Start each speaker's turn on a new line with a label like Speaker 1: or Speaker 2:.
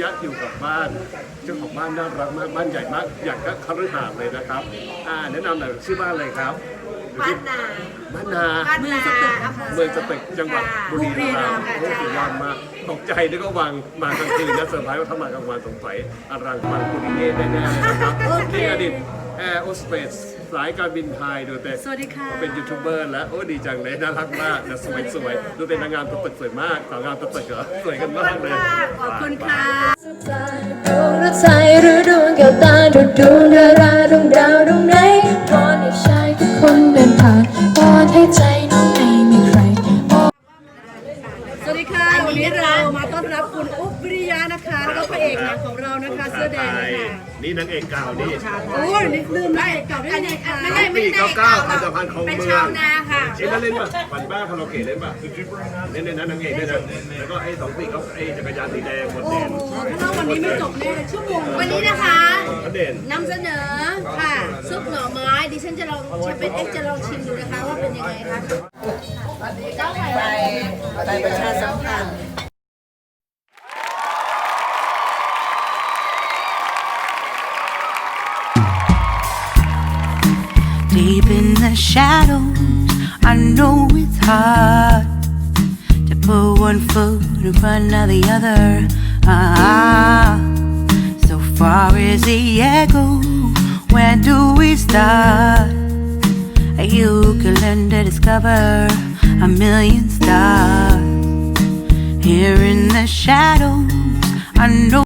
Speaker 1: ยะอยู่กับบ้านเจ้าของบ้านน่ารักมากบ้านใหญ่มากอย่างก็คฤหาสน์เลยนะครับแนะนำหน่อยชื่อบ้านอะไรครับ
Speaker 2: บ้านนา
Speaker 1: บ้านนา
Speaker 2: เมืองสตึก
Speaker 1: เมืองสตึกจังหวัดบุรีรัมย์โอ้สุดยอดมากตกใจนึกว่าวางมากลางคืนนะเซอร์ไพรส์ว่าถ้ามากลางวันสงสัยอลังมังคุริเย่แน่ๆเลยนะครับนี่อดีตแอร์โอสเปซสายการบินไทยดูแต่
Speaker 2: สวัสดีค่ะ
Speaker 1: เป็นยูทูบเบอร์แล้วโอ้ดีจังเลยน่ารักมากนะสวยๆดูเป็นนางงามตัวตึกสวยมากสาวงามตัวตึกเหรอสวยกันมากเลย
Speaker 2: ขอบคุณค่ะ
Speaker 3: ดวงรถไฟหรือดวงแก้วตาดูดวงดาราดวงดาวดวงไหนวอนให้ชายทุกคนเดินผ่านวอนให้ใจน้องไม่มีใคร
Speaker 2: สวัสดีค่ะวันนี้เรามาต้อนรับคุณอุ๊บวิริยะนะคะแล้วก็พระเอกหนังของเรานะคะเสื้อแดงค่ะ
Speaker 1: นี่นางเอกเก่านี่
Speaker 2: โอ้ยนี่ลืมได้เก่าได้ไงคะ
Speaker 1: ปี99อันดับพันของเมือง
Speaker 2: เป็นชาวนาค่ะ
Speaker 1: เล่นป่ะปั่นบ้าคาราโอเกะเล่นป่ะเล่นในนั้นนางเอกด้วยนะแล้วก็ไอ้2 ปีเขาไอ้จักรยานสีแดงหมดแดง
Speaker 2: ถ้าวันนี้ไม่จบแน่ชั่วโมง
Speaker 4: วันนี้นะคะ
Speaker 1: เด่น
Speaker 4: นำเสนอค่ะซุปหน่อไม้ดิฉันจะลองเป็นจะลองชิมดูนะคะว่าเป็นยังไงคะ
Speaker 2: ไปประชาสัมพันธ์
Speaker 5: Deep in the shadows, I know it's hard to put one foot in front of the other. So far is the echo, where do we start? You can learn to discover a million stars. Here in the shadows, I know